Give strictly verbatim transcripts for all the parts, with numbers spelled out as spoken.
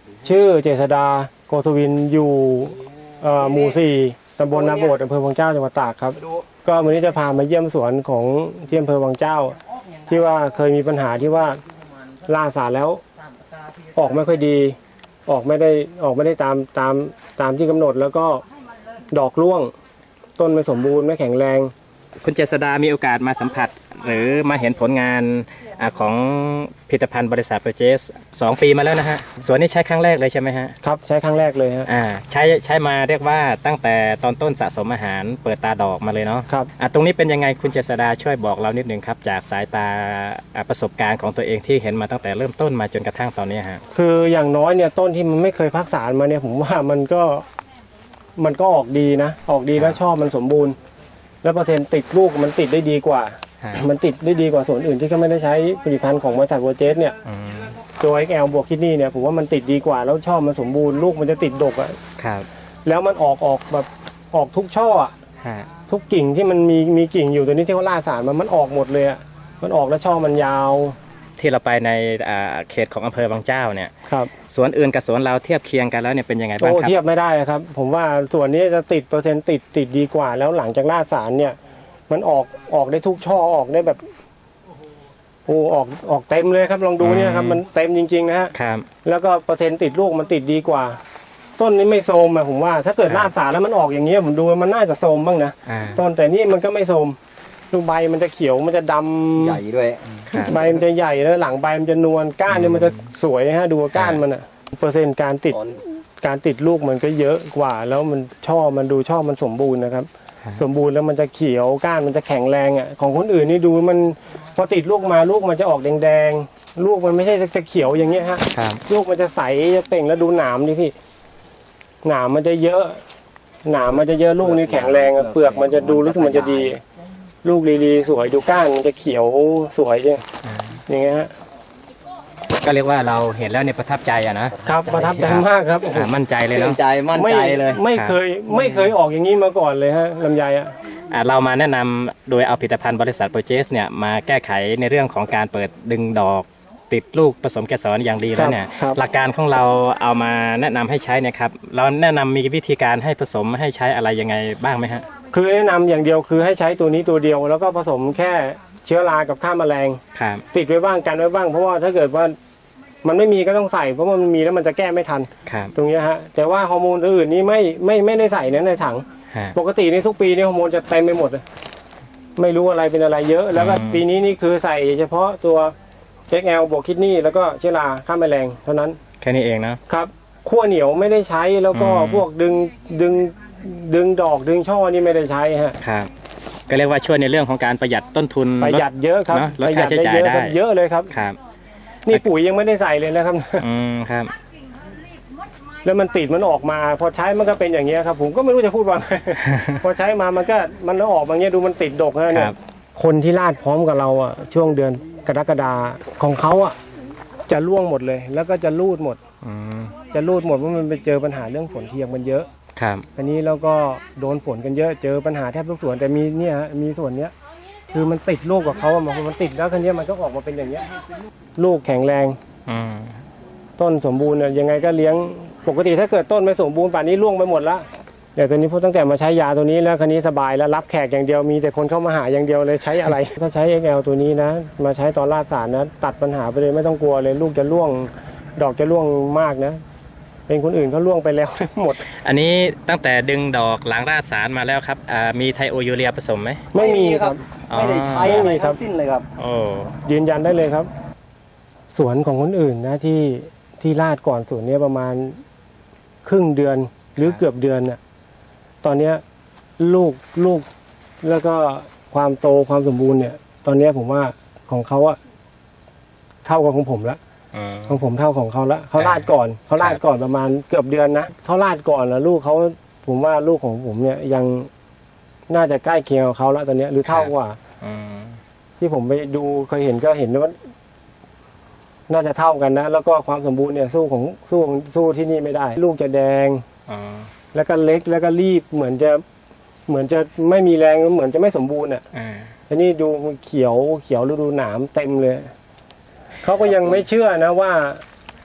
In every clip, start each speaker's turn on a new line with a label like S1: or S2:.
S1: ชื่อเจษดาโกศวินอยู่หมู่สี่ตำบลนาโบดอำเภอวังเจ้าจังหวัดตากครับก็วันนี้จะพามาเยี่ยมสวนของที่อำเภอวังเจ้าที่ว่าเคยมีปัญหาที่ว่าล่าสารแล้วออกไม่ค่อยดีออกไม่ได้ออกไม่ได้ตามตามตามที่กำหนดแล้วก็ดอกร่วงต้นไม่สมบูรณ์ไม่แข็งแรง
S2: คุณเจษดามีโอกาสมาสัมผัสหรือมาเห็นผลงานของผลิตภัณฑ์บริษัทโปรเจสสองปีมาแล้วนะฮะสวนนี้ใช้ครั้งแรกเลยใช่ไหมฮะ
S1: ครับใช้ครั้งแรกเลยฮะ
S2: อ่าใช้ใช้มาเรียกว่าตั้งแต่ตอนต้นสะสมอาหารเปิดตาดอกมาเลยเนาะ
S1: ครับ
S2: อ่าตรงนี้เป็นยังไงคุณเจษดาช่วยบอกเรานิดนึงครับจากสายตาประสบการณ์ของตัวเองที่เห็นมาตั้งแต่เริ่มต้นมาจนกระทั่งตอนนี้ฮะ
S1: คืออย่างน้อยเนี่ยต้นที่มันไม่เคยพักสารมาเนี่ยผมว่ามันก็มันก็ออกดีนะออกดีแล้วชอบมันสมบูรณ์แล้วเปอร์เซ็นต์ติดลูกมันติดได้ดีกว่ามันติดได้ดีกว่าส่วนอื่นที่เขาไม่ได้ใช้ผลิตภัณฑ์ของบริษัทโปรเจสเนี่ยตัว เอ็กซ์ แอล บวกคิดนี่เนี่ยผมว่ามันติดดีกว่าแล้วชอบมันสมบูรณ์ลูกมันจะติดดกอ่ะ
S2: ครับ
S1: แล้วมันออกออกแบบออกทุกช่ออ่ะทุกกิ่งที่มันมีมีกิ่งอยู่ตัวนี้ที่เขาล่าสารมันมันออกหมดเลยอ่ะมันออกแล้วช่อมันยาว
S2: ที่เราไปในเขตของอำเภอบางเจ้าเนี่ย
S1: ครับ
S2: สวนอื่นกับสวนเราเทียบเคียงกันแล้วเนี่ยเป็นยังไงบ้างครับ
S1: โอ้เทียบไม่ได้ครับผมว่าส่วนนี้จะติดเปอร์เซ็นต์ติดติดดีกว่าแล้วหลังจากล่าสารเนี่ยมันออกออกได้ทุกช่อออกได้แบบโอ้ออกออกเต็มเลยครับลองดูเนี่ยครับมันเต็มจริงๆนะฮะ
S2: ครับ
S1: แล้วก็เปอร์เซ็นต์ติดลูกมันติดดีกว่าต้นนี้ไม่โทรมอะผมว่าถ้าเกิดล่าสารแล้วมันออกอย่างเงี้ยผมดูมันน่าจะโทรมบ้างนะต้นแต่นี่มันก็ไม่โทรมดูใบมันจะเขียวมันจะดำ
S3: ใหญ่ด้วย
S1: ใบมันจะใหญ่แล้วหลังใบมันจะนวลก้านเนี่ยมันจะสวยฮะดูก้านมันอะเปอร์เซ็นต์การติดการติดลูกมันก็เยอะกว่าแล้วมันช่อมันดูช่อมันสมบูรณ์นะครับสมบูรณ์แล้วมันจะเขียวก้านมันจะแข็งแรงอ่ะของคนอื่นนี่ดูมันพอติดลูกมาลูกมันจะออกแดงๆลูกมันไม่ใช่จะเขียวอย่างเงี้ยฮะลูกมันจะใสจะเป่งแล้วดูหนามดิพี่หนามมันจะเยอะหนามมันจะเยอะลูกนี่แข็งแรงเปลือกมันจะดูรู้สึกมันจะดีลูกลีๆสวยดูก้านมันจะเขียวสวยจริงอย่างเงี้ยฮะ
S2: ก็เรียกว่าเราเห็นแล้วเนี่ยประทับใจอะนะครับ
S1: ประทับใจมากครับ
S2: มั่นใจเลยเนาะ
S3: ใจมั่นใจเลย
S1: ไม่เคยไม่เคยออกอย่างนี้มาก่อนเลยฮะลำไยอ่ะ
S2: เรามาแนะนำโดยเอาผลิตภัณฑ์บริษัทโปรเจสเนี่ยมาแก้ไขในเรื่องของการเปิดดึงดอกติดลูกผสมเกสรอย่างดีแล้วเนี่ยหลักการของเราเอามาแนะนำให้ใช้เนี่ยครับเราแนะนำมีวิธีการให้ผสมให้ใช้อะไรยังไงบ้างไหมฮะ
S1: คือแนะนำอย่างเดียวคือให้ใช้ตัวนี้ตัวเดียวแล้วก็ผสมแค่เชื้อรากับฆ่าแมลงติดไว้บ้างกันไว้บ้างเพราะว่าถ้าเกิดว่ามันไม่มีก็ต้องใส่เพราะว่ามันมีแล้วมันจะแก้ไม่ทันตรงนี้ฮะแต่ว่าฮอร์โมนอื่นนี่ไม่ไม่ไม่ได้ใส่ในถังปกติในทุกปีนี่ฮอร์โมนจะเต็มไปหมดเลยไม่รู้อะไรเป็นอะไรเยอะแล้วก็ปีนี้นี่คือใส่เฉพาะตัว เอ็กซ์ แอล บวกคิดนี่แล้วก็เชื้อราฆ่าแมลงเท่านั้น
S2: แค่นี้เองนะครับ
S1: ขั้วเหนียวไม่ได้ใช้แล้วก็พวกดึงดึงดึงดอกดึงช่อนี่ไม่ได้ใช้ฮะ
S2: ครับก็เรียกว่าช่วยในเรื่องของการประหยัดต้นทุน
S1: ประหยัดเยอะครับ
S2: ลดค่าใช้จ่ายได้
S1: เยอะเลยครับ
S2: ครับ
S1: นี่ปุ๋ยยังไม่ได้ใส่เลยนะครับ
S2: อืมครับ
S1: แล้วมันติดมันออกมาพอใช้มันก็เป็นอย่างเงี้ยครับผมก็ไม่รู้จะพูดว่าไงพอใช้มามันก็มันแล้วออกมาเงี้ยดูมันติดดกนะเนี่ยคนที่ลาดพร้อมกับเราอ่ะช่วงเดือนกรกฎาของเขาอ่ะจะร่วงหมดเลยแล้วก็จะรูดหมดจะรูดหมดเพราะมันไปเจอปัญหาเรื่องฝนเทียงมันเยอะ
S2: ครับ
S1: อันนี้แล้วก็โดนฝนกันเยอะเจอปัญหาแทบทุกสวนแต่มีเนี่ยมีส่วนเนี้ยคือมันติดลูกกับเขาอ่ะมันติดแล้วคันนี้มันก็ออกมาเป็นอย่างเงี้ยลูกแข็งแรงต้นสมบูรณ์เนี่ยยังไงก็เลี้ยงปกติถ้าเกิดต้นไม่สมบูรณ์ป่านนี้ร่วงไปหมดละแต่ตอนนี้พอตั้งแต่มาใช้ยาตัวนี้แล้วคันนี้สบายแล้วรับแขกอย่างเดียวมีแต่คนเข้ามาหาอย่างเดียวเลยใช้อะไร ถ้าใช้ เอ็กซ์ แอล ตัวนี้นะมาใช้ตอนราดสารนะตัดปัญหาไปเลยไม่ต้องกลัวเลยลูกจะร่วงดอกจะร่วงมากนะเป็นคนอื่นเขาร่วงไปแล้วหมด
S2: อันนี้ตั้งแต่ดึงดอกหลังราดสารมาแล้วครับมีไทโอยูเรียผสมไหม
S1: ไม่มีครับ
S3: ไม่ได้ใช้อะไรทั้งสิ้นเลยครับ
S2: โอ้
S1: ยืนยันได้เลยครับสวนของคนอื่นนะที่ที่ราดก่อนสวนนี้ประมาณครึ่งเดือนหรือเกือบเดือนน่ะตอนนี้ลูกลูกแล้วก็ความโตความสมบูรณ์เนี่ยตอนนี้ผมว่าของเขาอะเท่ากับของผมแล้วของผมเท่าของเขาแล้วเขาลาดก่อนเขาลาดก่อนประมาณเกือบเดือนนะเขาลาดก่อนแล้วลูกเขาผมว่าลูกของผมเนี่ยยังน่าจะใกล้เคียงกับเขาแล้วตอนนี้หรือเท่ากว่าที่ผมไปดูเคยเห็นก็เห็นว่าน่าจะเท่ากันนะแล้วก็ความสมบูรณ์เนี่ยสู้ของสู้สู้ที่นี่ไม่ได้ลูกจะแดงแล้วก็เล็กแล้วก็รีบเหมือนจะเหมือนจะไม่มีแรงเหมือนจะไม่สมบูรณ์อ่ะอันนี้ดูเขียวเขียวแล้วดูหนามเต็มเลยเขาก็ยังไม่เชื่อนะว่า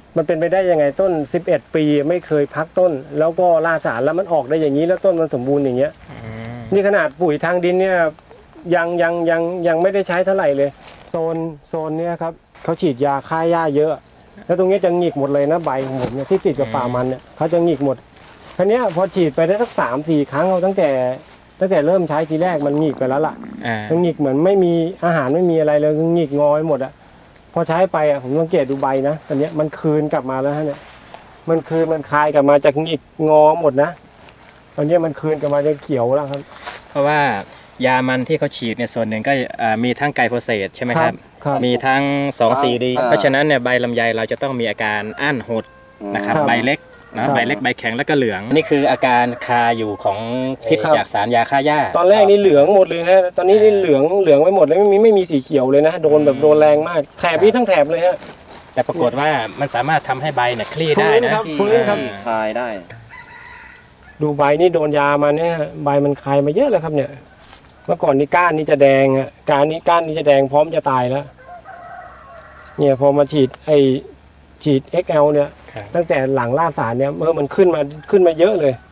S1: มันเป็นไปได้ยังไงต้นสิบเอ็ดปีไม่เคยพักต้น แล้วก็ล่าสารแล้วมันออกได้อย่างนี้แล้วต้นมันสมบูรณ์อย่างเงี้ยนี่ขนาดปุ๋ยทางดินเนี่ยยังยังยังยังไม่ได้ใช้เท่าไหร่เลยโซนโซนเนี้ยครับเขาฉีดยาฆ่าหญ้าเยอะ แล้วตรงนี้จะหงิกหมดเลยนะใบของผมเนี่ยที่ติดกับป่ามันเนี่ยเขาจะหงิกหมดคราวเนี้ยพอฉีดไปได้สักสามสี่ครั้งเอาตั้งแต่ตั้งแต่เริ่มใช้ทีแรกมันหงิกไปแล้วล่ะ
S2: อ่า
S1: มันหงิกเหมือนไม่มีอาหารไม่มีอะไรเลยหงิกงอยหมดอ่ะพอใช้ไปอ่ะผมสังเกตดูใบนะตอนเนี้ยมันคืนกลับมาแล้วฮะเนี่ยมันคืนมันคลายกลับมาจากหงิกงอหมดนะตอนเนี้ยมันคืนกลับมาจะเขียวแล้วครับ
S2: เพราะว่ายามันที่เขาฉีดเนี่ยส่วนหนึ่งก็อ่ามีทั้งไกลโฟเสตใช่ไหมครับ
S1: ครับ
S2: มีทั้ง สอง ซี ดี
S3: อ่า
S2: เพราะฉะนั้นเนี่ยใบลำไยเราจะต้องมีอาการอั้นหดนะครับ
S1: ครับ
S2: ใบเล็ก
S1: ค
S2: นะ
S1: รับ
S2: ใบเล็กใบแข็งแล้วก็เหลืองนี่คืออาการคาอยู่ของพิษ
S1: ครับ
S2: จากสารยาฆ่าหญ้า
S1: ตอนแรกนี่เหลืองหมดเลยนะตอนนี้นี่เหลืองเหลืองไปหมดเลยไม่มีไม่มีสีเขียวเลยนะโดนแบบโดนแรงมากแถบนี้ทั้งแถบเลยฮะ
S2: แต่ปรากฏว่ามันสามารถทำให้ใบเนี่ยคลี่ได้นะ
S1: ครับ
S3: ที่
S1: ฟื้นครับ
S3: คลายได้
S1: ดูใบนี่โดนยามาเนี่ยฮะใบมันคายมาเยอะแล้วครับเนี่ยเมื่อก่อนนี่ก้านนี่จะแดงอ่ะก้านนี้ก้านนี่จะแดงพร้อมจะตายแล้วเนี่ยพอมาฉีดไอฉีด เอ็กซ์ แอล เนี่ย
S2: ครับ
S1: ตั้งแต่หลังล่าสารเนี่ยเมื่อมันขึ้นมาขึ้นมาเยอะเลย